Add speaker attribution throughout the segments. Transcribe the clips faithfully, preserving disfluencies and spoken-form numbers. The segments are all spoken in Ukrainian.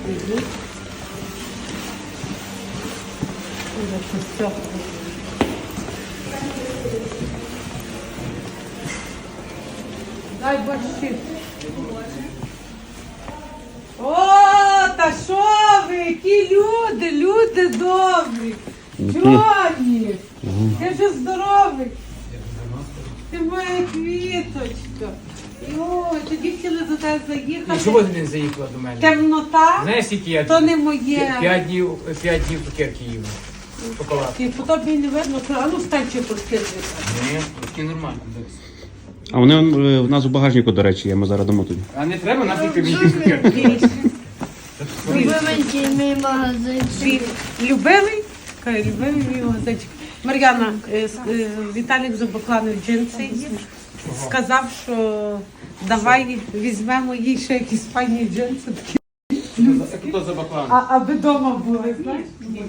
Speaker 1: йдуть. Все. Дай борщі. О, та що ви, які люди, люди добрі. Джоні, я вже здоровий. Ти моя квіточка. Ой, тоді хотіли до тебе заїхати.
Speaker 2: Чому ти не заїхала до мене?
Speaker 1: Темнота,
Speaker 2: Знаєш, скільки я
Speaker 1: то не моє.
Speaker 2: п'ять днів, п'ять днів цукерки їв. Шоколад.
Speaker 1: І по тобі не видно, а ну встань чи порки.
Speaker 2: Ні, такі нормально.
Speaker 3: А вони е, в нас у багажнику, до речі, є, ми зараз дамо тобі.
Speaker 2: А не треба нафіг мені цукерки.
Speaker 4: Любименький мій магазинчик.
Speaker 1: Любимий? Каже, любимий мій магазинчик. Мар'яна, е, с- е, Віталік Зубокланов джинси є. Сказав, що давай візьмемо їй ще якісь файні джинси, такі,
Speaker 2: Хто за баклан?
Speaker 1: а, аби вдома були, знаєш?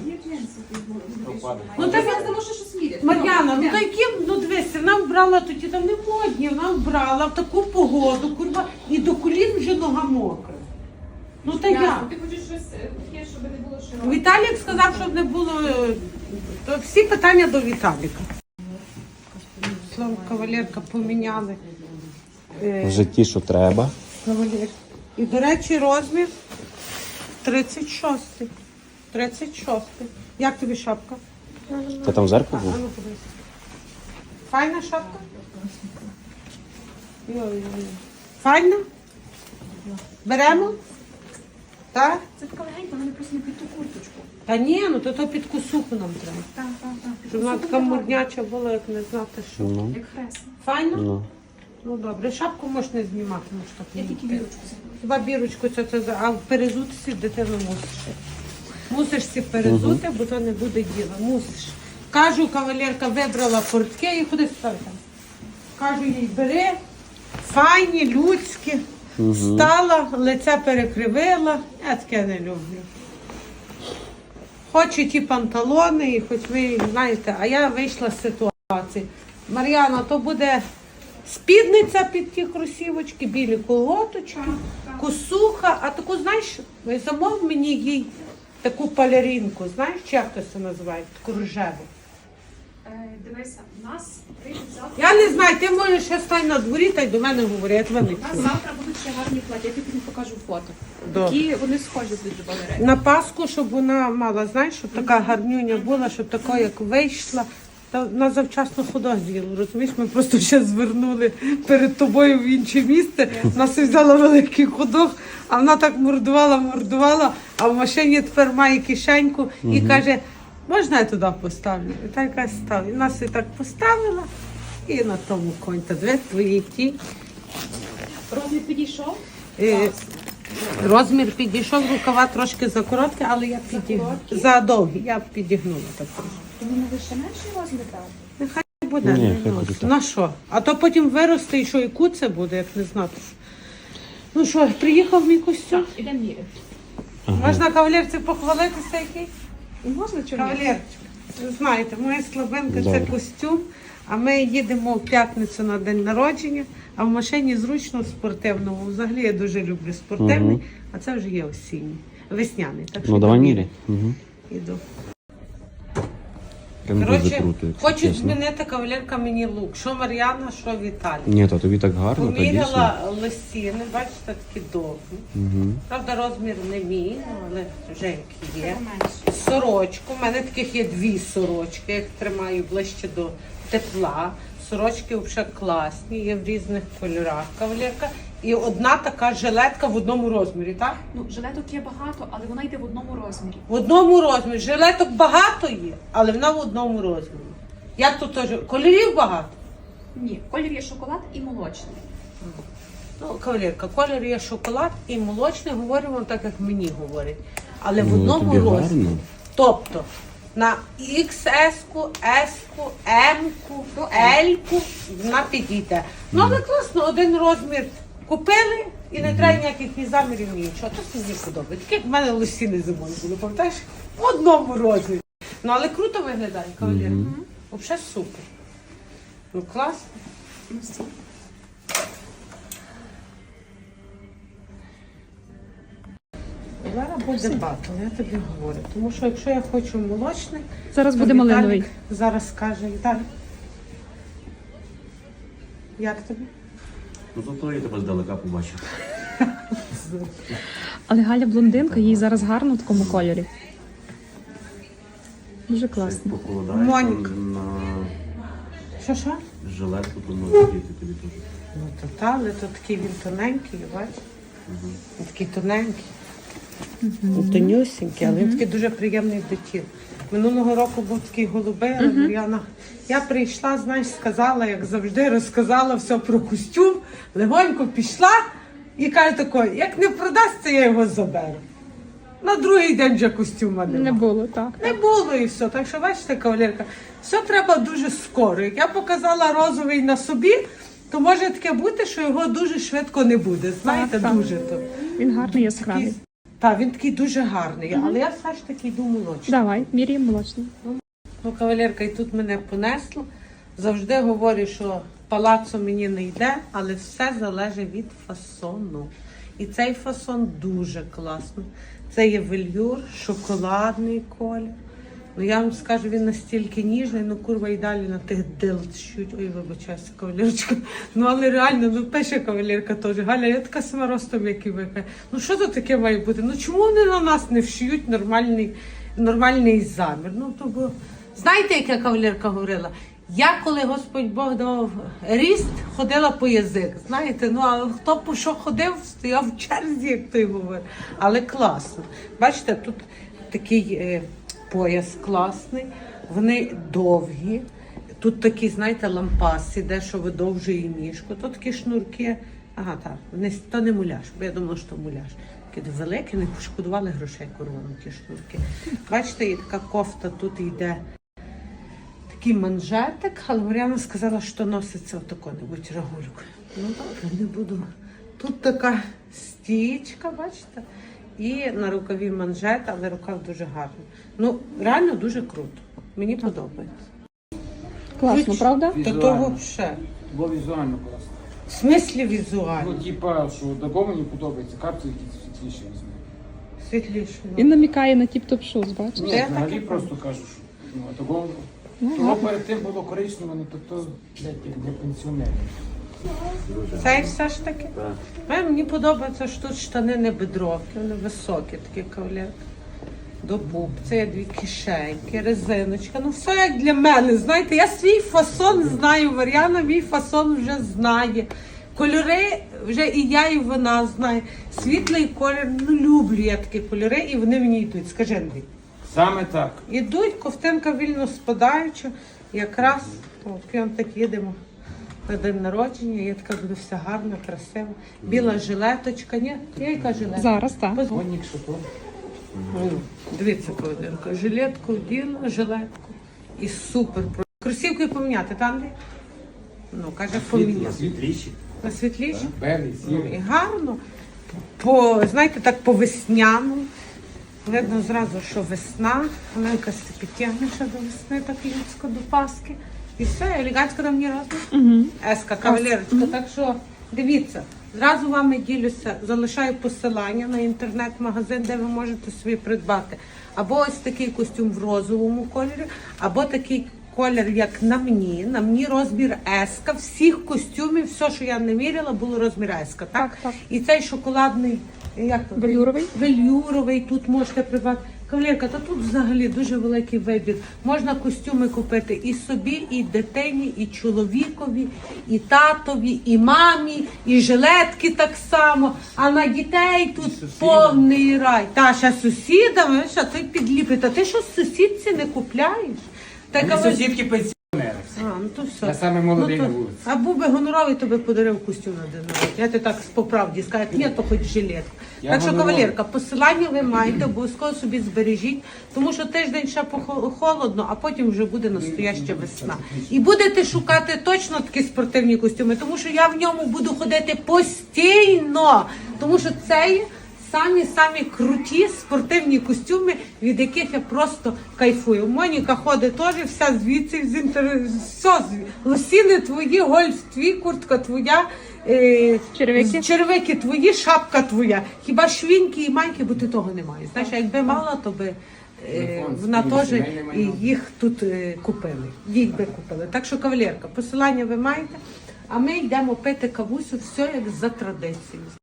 Speaker 1: Ну так, Мар'яна, ну то які, ну дивися, вона вбрала тоді, там не модні, вона вбрала в таку погоду, курва, і до колін вже нога мокра. Ну та як?
Speaker 5: Ти хочеш щось таке, щоб не було широко?
Speaker 1: Віталік сказав, щоб не було, е, то всі питання до Віталіка. Слово кавалерка поміняли. Е,
Speaker 3: В житті, що треба.
Speaker 1: Кавалер. І, до речі, розмір тридцять шостий. тридцять шостий. Як тобі шапка?
Speaker 3: Ти там в зеркало
Speaker 1: А
Speaker 3: був?
Speaker 1: ну подивись. Файна шапка? Йой-йой. Файна? Беремо? Так?
Speaker 5: Це така легенька, вона просто не під ту курточку.
Speaker 1: Та ні, ну то, то під косуху нам треба.
Speaker 5: Так, так, так.
Speaker 1: Щоб вона така мурняча була, як не знати що.
Speaker 3: Ну,
Speaker 5: Як хрест.
Speaker 1: Файна?
Speaker 3: ну.
Speaker 1: Ну добре, шапку можеш не знімати, можеш так
Speaker 5: Я
Speaker 1: не
Speaker 5: тільки
Speaker 1: йти.
Speaker 5: вірочку забула.
Speaker 1: Хіба бірочку, це, це, за- а перезутися дитину мусиш. Мусиш всі перезути, бо то не буде діла. Мусиш. Кажу, кавалерка вибрала портки і ходи сюди там. Кажу їй, бери, файні, людські. Встала, лице перекривила. Я таке не люблю. Хочу ті панталони, і хоч ви знаєте, а я вийшла з ситуації. Мар'яна, то буде спідниця під ті кросівочки, білі колготочки, косуха, а таку, знаєш, замов мені їй таку палерінку, знаєш, чи як то це називає, таку рожеву.
Speaker 5: Е, Дивися, у нас прийдуть завтра.
Speaker 1: Я не знаю, ти можеш ще стань на дворі та й до мене говори, я тебе не
Speaker 5: У нас
Speaker 1: чую.
Speaker 5: завтра будуть ще гарні плаття, я тобі покажу фото.
Speaker 1: Добре.
Speaker 5: Які вони схожі будуть до балерин.
Speaker 1: На Пасху, щоб вона мала, знаєш, щоб така гарнюня була, щоб така, як вийшла. Та на завчасно ходок з'їла, розумієш? Ми просто ще звернули перед тобою в інше місце. Нас взяла великий ходок, а вона так мордувала, мордувала, а в машині тепер має кишеньку і каже, можна я туди поставлю? І так якась стала. І нас і так поставила, і на тому конь. Та дві твої ті.
Speaker 5: Розмір підійшов?
Speaker 1: Е, Розмір підійшов, рукава трошки закороткі, але я підігнула. За довгі, я підігнула так трошки.
Speaker 5: Тому не лише менший розмір брати?
Speaker 1: Нехай буде.
Speaker 3: Ні,
Speaker 1: не
Speaker 3: хай
Speaker 1: носить.
Speaker 3: буде так.
Speaker 1: На що? А то потім виросте і що, і куце буде, як не знати. Ну що, приїхав мій костюм?
Speaker 5: Ідемо міряти.
Speaker 1: Можна кавалерці похвалитися який?
Speaker 5: Можна чому?
Speaker 1: Кавалерчик, ви знаєте, моя слабинка це
Speaker 3: Добре.
Speaker 1: костюм, а ми їдемо в п'ятницю на день народження, а в машині зручно в спортивному. Взагалі я дуже люблю спортивний,
Speaker 3: Мгм.
Speaker 1: а це вже є осінній, весняний. Так що
Speaker 3: Ну давай
Speaker 1: йду
Speaker 3: міряй. Угу.
Speaker 1: Іду.
Speaker 3: Прям дуже
Speaker 1: Коротше,
Speaker 3: круто, якщо
Speaker 1: хочуть
Speaker 3: чесно.
Speaker 1: змінити кавалерка мені лук. Що Мар'яна, що Віталій.
Speaker 3: Ні, та тобі так гарно, та дійсно.
Speaker 1: Поміряла лосіни, бачите, такі довгі.
Speaker 3: Угу.
Speaker 1: Правда, розмір не мій, ну, але вже як є.
Speaker 5: Менше.
Speaker 1: Сорочку. У мене таких є дві сорочки, я їх тримаю ближче до тепла. Сорочки взагалі класні, є в різних кольорах кавалерка. І одна така жилетка в одному розмірі, так?
Speaker 5: Ну, жилеток є багато, але вона йде в одному розмірі.
Speaker 1: В одному розмірі. Жилеток багато є, але вона в одному розмірі. Як тут теж? Кольорів багато?
Speaker 5: Ні, колір є шоколад і молочний.
Speaker 1: Ну, кавалерка, колір є шоколад і молочний, говоримо так, як мені говорять. Але в
Speaker 3: Ну,
Speaker 1: одному
Speaker 3: тобі
Speaker 1: розмірі.
Speaker 3: гарно.
Speaker 1: Тобто на ікс ес-ку, ес-ку, ем-ку, ель-ку вона підійде. Ну, але класно, один розмір купили і не треба ніяких ні замірів, ні нічого. То мені подобається. Таке як в мене лосіни зимою були, пам'ятаєш? В одному розмірі. Ну, але круто виглядає, кавалерка. Взагалі супер. Ну, класно.
Speaker 5: Ну, стій.
Speaker 1: Зараз буде батл, я тобі говорю. Тому що якщо я хочу молочний,
Speaker 6: Зараз
Speaker 1: то
Speaker 6: буде
Speaker 1: Віталік
Speaker 6: малиновий.
Speaker 1: зараз скаже, Віталік. Як тобі?
Speaker 3: Ну зато я тебе здалека побачив.
Speaker 6: Але Галя блондинка, їй зараз гарно в такому кольорі. Дуже класно.
Speaker 3: Похолодаєш
Speaker 1: Моніка.
Speaker 3: там на
Speaker 1: Що що?
Speaker 3: жилетку, то може діти тобі теж.
Speaker 1: Ну то та, але то такий він тоненький, бачиш? Він такий тоненький. Mm Тонюсенький, але він такий дуже приємний до тіла. Минулого року був такий голубий, але Мар'яна. Я прийшла, знаєш, сказала, як завжди, розказала все про костюм, легонько пішла і каже тако, як не продасться, я його заберу. На другий день вже костюма
Speaker 6: Не
Speaker 1: немає.
Speaker 6: було, так.
Speaker 1: Не було і все. Так що бачите, кавалерка, все треба дуже скоро. Як я показала розовий на собі, то може таке бути, що його дуже швидко не буде. Знаєте,
Speaker 6: Так, так.
Speaker 1: дуже то.
Speaker 6: Він гарний, яскравий.
Speaker 1: Так, він такий дуже гарний, але я все ж таки йду молочний.
Speaker 6: Давай, міряємо молочний.
Speaker 1: Ну, кавалерка, і тут мене понесло. Завжди говорю, що палацо мені не йде, але все залежить від фасону. І цей фасон дуже класний. Це є вельюр, шоколадний колір. Ну я вам скажу, він настільки ніжний, ну курва і далі на тих дилчуть. Ой, вибачайся, кавалерочка. Ну але реально, ну пише кавалерка теж. Галя, я така сама ростом, як і ви. Ну що тут таке має бути? Ну чому вони на нас не вшиють нормальний, нормальний замір? Ну то бо знаєте, як я кавалерка говорила? Я, коли Господь Бог давав ріст, ходила по язик. Знаєте, ну а хто по що ходив, стояв в черзі, як той говорить. Але класно. Бачите, тут такий е, пояс класний, вони довгі. Тут такі, знаєте, лампаси, де що видовжує ніжку. Тут такі шнурки. Ага, так, не, то не муляж, бо я думала, що муляж. Такі великі, не пошкодували грошей коровам ті шнурки. Бачите, і така кофта тут йде. Такий манжетик, але Мар'яна сказала, що носиться отако-небудь рагулькою. Ну добре, не буду. Тут така стічка, бачите? І на рукаві манжет, але рукав дуже гарний. Ну, реально дуже круто. Мені подобається.
Speaker 6: Класно, правда?
Speaker 1: Та то взагалі.
Speaker 2: Бо візуально класно.
Speaker 1: В смислі
Speaker 2: Ну,
Speaker 1: візуально.
Speaker 2: типа, що такого мені подобається, капці якісь світліші візьму.
Speaker 1: Світліше.
Speaker 6: Він намікає на тіп-топ шуз, бачиш?
Speaker 2: Ні,
Speaker 1: Де
Speaker 2: взагалі
Speaker 1: таке?
Speaker 2: просто кажу, що ну, а такого,
Speaker 6: Ну,
Speaker 2: того
Speaker 6: гарно.
Speaker 2: перед тим було коричневе, ну то то, блядь, як для пенсіонерів.
Speaker 1: Це все ж таки. Е, Мені подобається, що тут штани не бедровки, вони високі, такі кавалерки. До пуп, це є дві кишеньки, резиночка. Ну все як для мене. Знаєте, я свій фасон знаю, Мар'яна мій фасон вже знає. Кольори вже і я, і вона знає. Світлий колір, ну люблю я такі кольори, і вони мені йдуть. Скажи, Андрій.
Speaker 2: Саме так.
Speaker 1: Ідуть, ковтинка вільно спадаюча, якраз о, п'янтик їдемо на день народження, я така буду вся гарна, красива. Біла жилеточка, ні? Я яка жилетка?
Speaker 6: Зараз, так.
Speaker 1: Поз-
Speaker 2: Гонник, що то.
Speaker 1: Ну, дивіться, Кавалерка, жилетку вділа, жилетку і супер. Кросівки поміняти, там Андрій? Ну, каже, поміняти.
Speaker 3: Світліші.
Speaker 1: На світліші?
Speaker 2: Белий,
Speaker 1: Ну, і
Speaker 2: сірий.
Speaker 1: гарно. По, знаєте, так по весняну. Видно зразу, що весна. Оленка се підтягне ще до весни, так людсько до Пасхи. І все, елегантсько до мені разом.
Speaker 6: Угу.
Speaker 1: Еска, кавалерочка. Так що дивіться, зразу вами ділюся, залишаю посилання на інтернет-магазин, де ви можете собі придбати. Або ось такий костюм в розовому кольорі, або такий колір, як на мені. На мені розмір еска. Всіх костюмів, все, що я не міряла, було розмір еска. Так?
Speaker 6: Так, так.
Speaker 1: І цей шоколадний, як то?
Speaker 6: Велюровий?
Speaker 1: Велюровий, тут можете придбати. Кавалерка, та тут взагалі дуже великий вибір. Можна костюми купити і собі, і дитині, і чоловікові, і татові, і мамі, і жилетки так само. А на дітей тут повний рай. Та ще сусідами, що ти підліпить. А ти що сусідці не купляєш? Та
Speaker 2: Мені
Speaker 1: кавалер-
Speaker 2: сусідки пенсіонери.
Speaker 1: А, ну то все.
Speaker 2: Я саме молодий
Speaker 1: Ну,
Speaker 2: на
Speaker 1: то-
Speaker 2: вулиці.
Speaker 1: А був би гоноровий, то би подарив костюм на день народження. Я ти так по правді скажу, ні, то хоч жилетку.
Speaker 2: Я
Speaker 1: Так що,
Speaker 2: гоноровий.
Speaker 1: кавалерка, посилання ви маєте, обов'язково собі збережіть, тому що тиждень ще похо- холодно, а потім вже буде настояща весна. І будете шукати точно такі спортивні костюми, тому що я в ньому буду ходити постійно, тому що це є самі-самі круті спортивні костюми, від яких я просто кайфую. Моніка ходить теж, вся звідси, з інтер... все, зві- лосіни твої, гольф твій, куртка твоя. е,
Speaker 6: Черевики?
Speaker 1: черевики твої, шапка твоя. Хіба швіньки і майки, бо ти того не маєш. Знаєш, а якби мала, то би е,
Speaker 2: Телефон,
Speaker 1: вона
Speaker 2: спільне
Speaker 1: теж
Speaker 2: сімейне
Speaker 1: і
Speaker 2: майно.
Speaker 1: їх тут е, купили. Їх би купили. Так що, кавалерка, посилання ви маєте, а ми йдемо пити кавусю, все як за традицією.